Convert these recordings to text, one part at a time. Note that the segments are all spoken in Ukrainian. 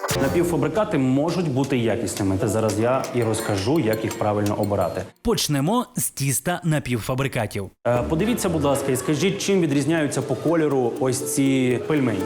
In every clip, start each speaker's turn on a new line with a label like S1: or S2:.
S1: Напівфабрикати можуть бути якісними. Зараз я і розкажу, як їх правильно обирати.
S2: Почнемо з тіста напівфабрикатів.
S1: Подивіться, будь ласка, і скажіть, чим відрізняються по кольору ось ці пельмені?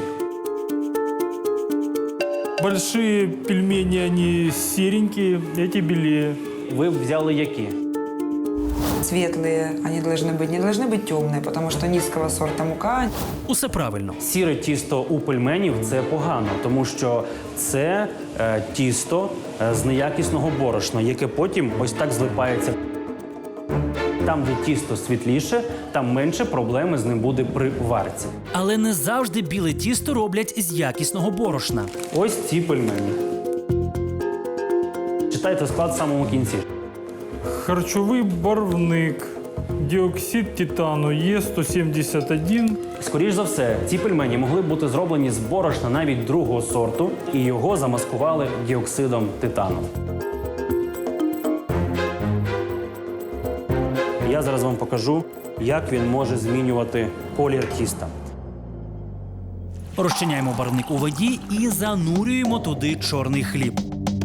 S3: Большие пельмени, они серенькие, эти белее.
S1: Ви взяли які?
S4: Светлые они должны быть, не должны быть темные, потому что низкого сорта мука.
S2: Усе правильно.
S1: Сіре тісто у пельменів – це погано, тому що це тісто з неякісного борошна, яке потім ось так злипається. Там, де тісто світліше, там менше проблеми з ним буде при варці.
S2: Але не завжди біле тісто роблять з якісного борошна.
S1: Ось ці пельмені. Читайте склад в самому кінці.
S3: Харчовий барвник, диоксид титану Е171.
S1: Скоріш за все, ці пельмені могли бути зроблені з борошна навіть другого сорту, і його замаскували діоксидом титану. Я зараз вам покажу, як він може змінювати колір тіста.
S2: Розчиняємо барвник у воді і занурюємо туди чорний хліб.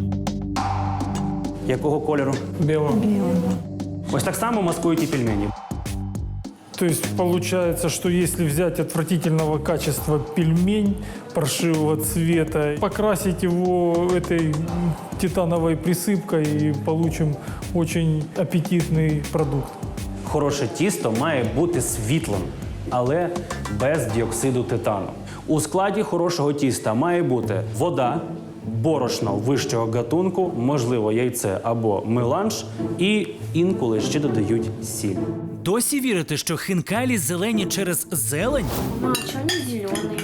S1: Якого кольору?
S3: Белого.
S1: Ось так само маскують і пельмені.
S3: То есть получается, что если взять отвратительного качества пельмень паршивого цвета, покрасить его этой титановой присыпкой и получим очень аппетитный продукт.
S1: Хороше тісто має бути світлим, але без діоксиду титану. У складі хорошого тіста має бути вода, борошно вищого гатунку, можливо, яйце або меланж, і інколи ще додають сіль.
S2: Досі вірите, що хінкалі зелені через зелень?
S5: А что они зеленые?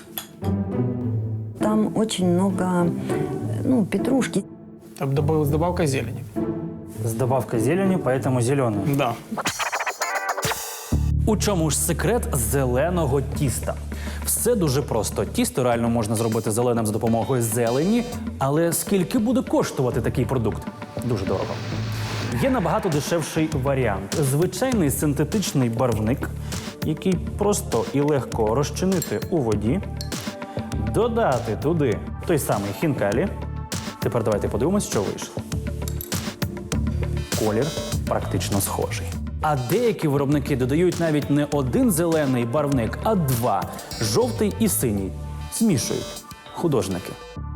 S6: Там очень много, петрушки.
S7: Там с добавкой зелени.
S1: З добавкою зелені, тому зелене.
S7: Да.
S2: У чому ж секрет зеленого тіста? Все дуже просто. Тісто реально можна зробити зеленим за допомогою зелені, але скільки буде коштувати такий продукт? Дуже дорого. Є набагато дешевший варіант. Звичайний синтетичний барвник, який просто і легко розчинити у воді, додати туди той самий хінкалі. Тепер давайте подивимось, що вийшло. Колір практично схожий. А деякі виробники додають навіть не один зелений барвник, а два – жовтий і синій. Змішують художники.